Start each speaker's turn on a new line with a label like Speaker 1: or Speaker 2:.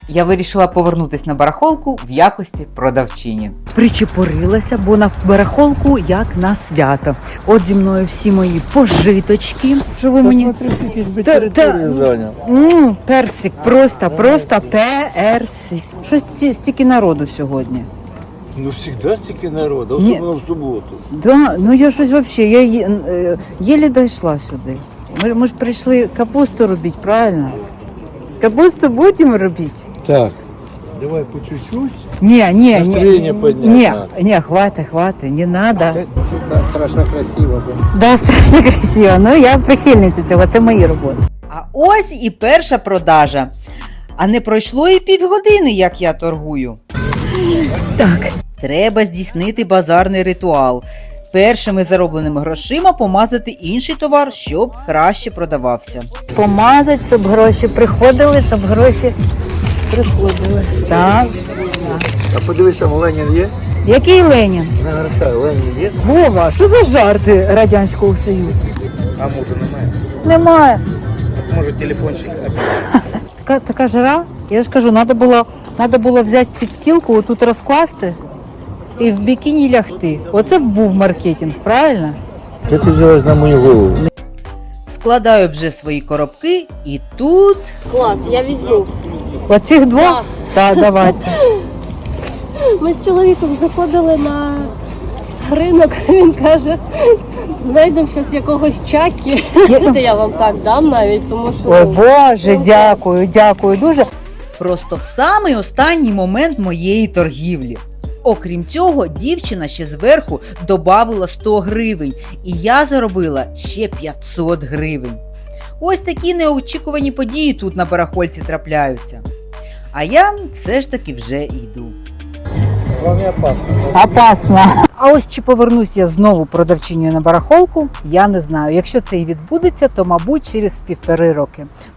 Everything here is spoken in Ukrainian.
Speaker 1: Я вирішила повернутися на барахолку в якості продавчині.
Speaker 2: Причепурилася, бо на барахолку як на свято. От зі мною всі мої пожиточки. Що ви мені?
Speaker 3: Територію зайняв.
Speaker 2: Персик, просто персик. Щось стільки народу сьогодні.
Speaker 3: Ну, завжди стільки народу,
Speaker 2: Ні.
Speaker 3: особливо в суботу.
Speaker 2: Да, ну я щось взагалі, я єлі дійшла сюди. Ми ж прийшли капусту робити, правильно? Капусту будемо робити?
Speaker 3: Так. Давай по чуть-чуть.
Speaker 2: Не,
Speaker 3: Настроєння підняти надо.
Speaker 2: хватит, не надо.
Speaker 3: Страшно красиво.
Speaker 2: Да, страшно красиво, ну я прихильниця цього, це мої роботи.
Speaker 1: А ось і перша продажа. А не пройшло і півгодини, як я торгую.
Speaker 2: Так,
Speaker 1: Треба здійснити базарний ритуал. Першими заробленими грошима помазати інший товар, щоб краще продавався.
Speaker 2: помазати, щоб гроші приходили, щоб гроші приходили. Так.
Speaker 3: А подивись, там Ленін є?
Speaker 2: Який Ленін?
Speaker 3: Нагортай, Ленін є?
Speaker 2: Вова, що за жарти Радянського Союзу?
Speaker 3: А може немає?
Speaker 2: Немає.
Speaker 3: Може телефончик?
Speaker 2: Така жара, я ж кажу, треба було взяти підстілку, отут розкласти і в бікіні лягти. Оце б був маркетинг, правильно?
Speaker 3: Що ти взялась на мою голову?
Speaker 1: Складаю вже свої коробки і тут...
Speaker 4: Клас, я візьму.
Speaker 2: Оцих двох? Так, давайте.
Speaker 4: Ми з чоловіком заходили на ринок, він каже, знайдемо зараз якогось чакі. Це я вам так дам навіть, тому що...
Speaker 2: Ой, Боже, дякую дуже.
Speaker 1: Просто в самий останній момент моєї торгівлі. Окрім цього, дівчина ще зверху добавила 100 гривень, і я заробила ще 500 гривень. Ось такі неочікувані події тут на барахольці трапляються. А я все ж таки вже йду.
Speaker 3: З вами опасно.
Speaker 2: Опасно. А ось чи повернусь я знову продавчиною на барахолку, я не знаю. Якщо це і відбудеться, то, мабуть, через 1,5 роки.